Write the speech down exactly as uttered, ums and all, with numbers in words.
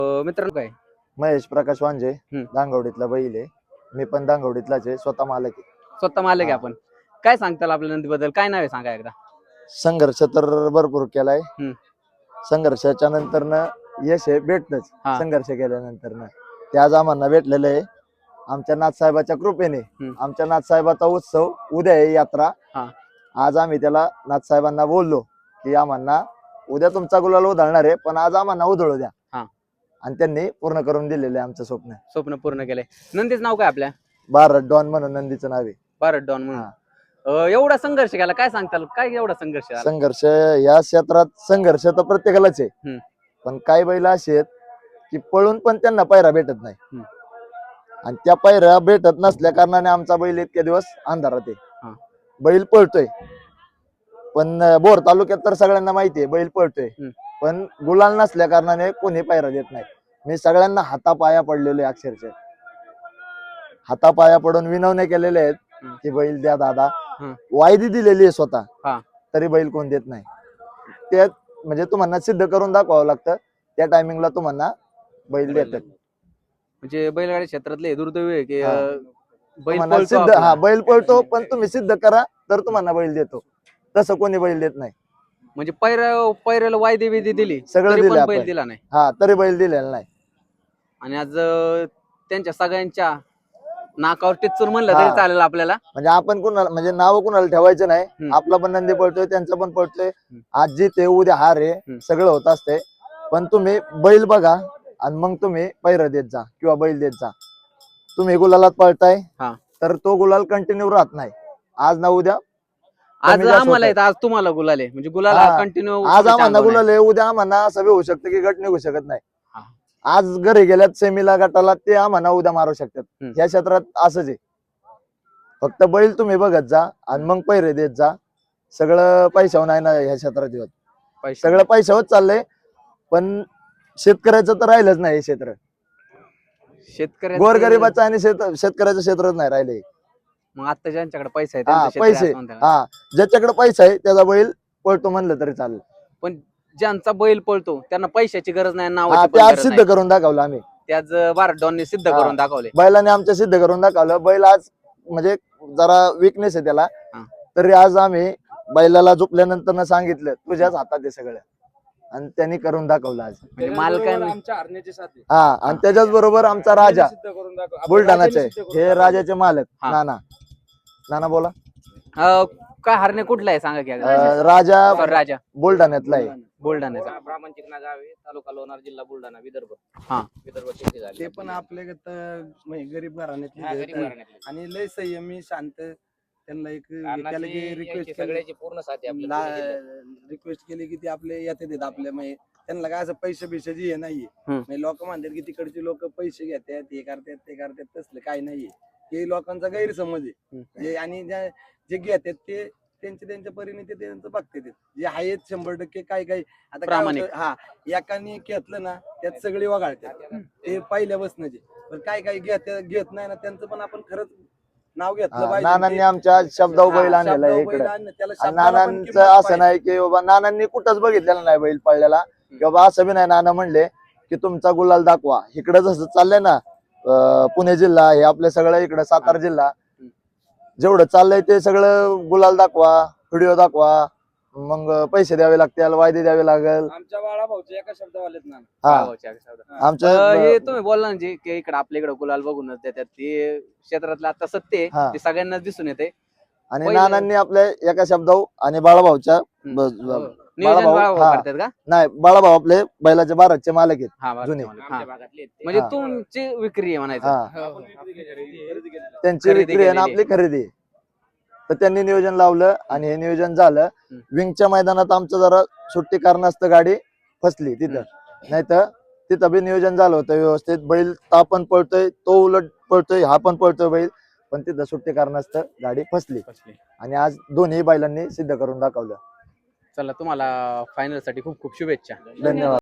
अ, मित्रांनो काय महेश प्रकाश वांजे हम्म. दांगवडीतला बैल आहे. मी पण दांगवडीतलाच आहे, स्वतः मालक आहे. स्वतः मालक आहे हा. आपण. काय सांगताल आपल्या नंदीबद्दल? काय नाव आहे सांगा एकदा. संघर्ष तर भरपूर केलाय. हम्म. संघर्षाच्या नंतर न यश हे भेटतच. हा. संघर्ष केल्यानंतर न ते आज आम्हाला भेटलेलं आहे आमच्या नाथसाहेबाच्या कृपेने. हम्म. आमच्या नाथसाहेबाचा उत्सव उद्या आहे, यात्रा. हा. आज आम्ही त्याला नाथसाहेबांना बोललो की आम्हाला उद्या तुमचा गुलाल उधळणार आहे, पण आज आम्हाला उधळू द्या. हा. आणि त्यांनी पूर्ण करून दिलेले आमचं स्वप्न. स्वप्न पूर्ण केलंय. नंदीचं नाव काय आपल्या? भारत डॉन म्हणून नंदीचं नाव आहे. भारत डॉन म्हणून. हा. अ, एवढा संघर्ष केला, काय सांगताल? काय एवढा संघर्ष झाला? संघर्ष या क्षेत्रात संघर्ष तर प्रत्येकालाच आहे. हम्म. पण काही बैल असे आहेत की पळून पण त्यांना पायरा भेटत नाही. हम्म. आणि त्या पायऱ्या भेटत नसल्या कारणाने आमचा बैल इतके दिवस अंधारात आहे. हा. बैल पळतोय, पण अं, बोर तालुक्यात तर सगळ्यांना माहिती आहे बैल पळतोय. हम्म. पण गुलाल नसल्या कारणाने कोणी पायरा देत नाही. मी सगळ्यांना हातापाया पडलेलो आहे, अक्षरशः हातापाया पडून विनवण्या केलेल्या आहेत हम्म. की बैल द्या दादा. हम्म. वायदी दिलेली आहे स्वतः, हा. तरी बैल कोण देत नाही. ते म्हणजे तुम्हाला सिद्ध करून दाखवावं लागतं. त्या टायमिंगला तुम्हाला बैल देतात. म्हणजे बैलगाडी क्षेत्रातले दुर्दैव आहे की हा. अ, बैल तुम्हाला पळतो सिद्ध आपला. हा बैल पळतो, पण तुम्ही सिद्ध करा तर तुम्हाला बैल देतो. तसं कोणी बैल देत नाही. म्हणजे पैरा पैऱ्याला वायदे बिदे दिली सगळं तरी दिलं पण बैल आपण. दिला नाही. हा, तरी बैल दिलेला नाही. आणि आज अ, त्यांच्या सगळ्यांच्या नाकावर टिचून म्हणलं हा. तरी चालेल आपल्याला. म्हणजे आपण कुणाला म्हणजे नाव कुणाला ठेवायचं नाही. हम्म. आपला पण नंदी पळतोय, त्यांचा पण पळतोय. हम्म. आज जिथे उद्या हार आहे, हम्म. सगळं होत असते. पण तुम्ही बैल बघा आणि मग तुम्ही पैर देत जा किंवा बैल देत जा. तुम्ही गुलालात पळताय हा. तर तो गुलाल कंटिन्यू राहत नाही. आज ना उद्या आज कमी जास्त आम्हाला होतंय. येत, आज तुम्हाला गुलाल आहे. म्हणजे गुलाल हा. कंटिन्यू आज आम्हाला गुलाल आहे, उद्या आम्हाला असं बी होऊ शकतं की गट निघू शकत नाही. हा. आज घरी गेल्यात सेमीला गटाला, ते आम्हाला उद्या मारू शकतात. हम्म. या क्षेत्रात असंच आहे. फक्त बैल तुम्ही बघत जा आणि मग पैरे देत जा. सगळं पैशावर नाही ना ह्या क्षेत्रात येत. पैसे. सगळं पैशावर चाललंय, पण शेतकऱ्याचं तर राहिलंच नाही हे क्षेत्र. शेतकऱ्याचं गोरगरिबाचं आणि शेत शेतकऱ्याचं क्षेत्रच नाही राहिले. मग आता ज्यांच्याकडे पैसा आहे हा, त्यांचं शेत आहे पैसे असं म्हणता का? हा, ज्याच्याकडे पैसा आहे त्याचा बैल पळतो म्हणलं तरी चालेल. पण ज्यांचा बैल पळतो त्यांना पैशाची गरज नाही, हा, नावाची ते पण आज गरज सिद्ध नाही. करून दाखवलं आम्ही. त्याच भारत डॉनने सिद्ध हा. करून दाखवले. बैलाने आमच्या सिद्ध करून दाखवलं. बैल आज म्हणजे जरा विकनेस आहे त्याला, हा. तरी आज आम्ही बैलाला झोपल्यानंतर सांगितलं तुझ्याच हातात आहे सगळं, आणि त्यांनी करून दाखवलं आज. म्हणजे मालकांनी आमच्या हरण्याची साथ आहे. हा, आणि त्याच्याच बरोबर आमचा राजा सिद्ध करून दाखव. आपण बुलढाणाचे राजाने सिद्ध करून हे दाखवलं. राजाचे मालक हा. नाना. नाना बोला. अ, काय हरणे कुठला आहे सांगा की एकदा. अं, राजा Sorry, राजा बुलढाण्यातला आहे. बुलढाण्याचा. ब्राह्मणचिक ना गाव आहे, तालुका लोणार, जिल्हा बुलढाणा, विदर्भ. हा. विदर्भ शेती झाली. ते पण आपले गरीब घराण्यातले हा, आहेत. गरीब घराण्यातले. आणि लय संयमी शांत. त्यांना एक त्याला अण्णाची रिक्वेस्ट यांची सगळ्याची पूर्ण साथ आहे आपल्या पुणे जिल्ह्यात. रिक्वेस्ट केली की ते आपले येते देत आपल्या म्हणजे त्यांना काय असं पैसे बिशाची हे नाहीये. हम्म. म्हणजे लोक म्हणतात की तिकडचे लोक पैसे घेतात, हे करतात ते करतात, तसलं काही नाहीये. हे लोकांचा गैरसमज आहे. हम्म. जे आणि ज्या- जे घेतात ते त्यांच्या त्यांच्या परीने ते त्यांचं बघतात. जे आहेत शंभर टक्के काय काय आता काय प्रामाणिक. होतं, हा एकाने घेतलं ना त्यात सगळे वगाळतात. ते पहिल्यापासूनच पण काय काय घेत घेत नाही ना त्यांचं पण आपण खरंच नाव घेतलं हा, पाहिजे. नानांनी ते- आमच्या शब्दावर बैल हा, आणलेला आहे शब्दावर बैल इकडे. आणलं, त्याला आणि शब्दाला पण नानांचं किंमत असं पाहिजे. नाही की बाबा नानांनी कुठंच बघितलेलं नाही बैल पळलेला, की बाबा असं बी नाही. नाना म्हणले की तुमचा गुलाल दाखवा. इकडे जसं चाललंय ना, अं, पुणे जिल्हा हे आपलं सगळं इकडं सातारा जिल्हा, जेवढं चाललंय ते सगळं गुलाल दाखवा, व्हिडिओ दाखवा, मग पैसे द्यावे लागतील, वायदे द्यावे लागेल. आमच्या बाळा भाऊच्या एका शब्दावालेत ना. हा, भावाच्या शब्दात. हा. आमच्या अ, हे तुम्ही बोलला ना जे की इकडे आपल्या इकडे गुलाल बघूनच देतात, ते क्षेत्रातलं आता सत्य आहे. हा. ते सगळ्यांनाच दिसून येते. आणि पहिलं- नानांनी आपल्या एका शब्दावर आणि बाळाभाऊच्या हम्म. ब- नियोजन बाळाभाऊ- बाळाभाऊ हा. करतात का? नाही, बाळाभाऊ आपले बैलाचे बाराचे मालक आहेत. हा, बरं, जुने. ते म्हणा. आमच्या हा. भागातले आहेत ते. म्हणजे हा. तुमची विक्री आहे म्हणायचं. हा, आपण विक्री केली, खरेदी केली. त्यांची खरेदी विक्री आहे ना केलेली आपली खरेदी आहे. तर त्यांनी नियोजन लावलं आणि हे नियोजन झालं. हम्म. विंगच्या मैदानात आमचं जरा सुट्टी कारणास्तव गाडी फसली तिथं, नाही तर तिथं बी नियोजन झालं होतं व्यवस्थित. बैल ता पण पळतोय, तो उलट पळतोय, हा पण पळतोय बैल, पण तिथं सुट्टी कारणास्तव गाडी फसली. फसली. आणि आज दोन्ही बैलांनी सिद्ध करून दाखवलं. चला, तुम्हाला फायनल साठी खूप खूप शुभेच्छा. धन्यवाद.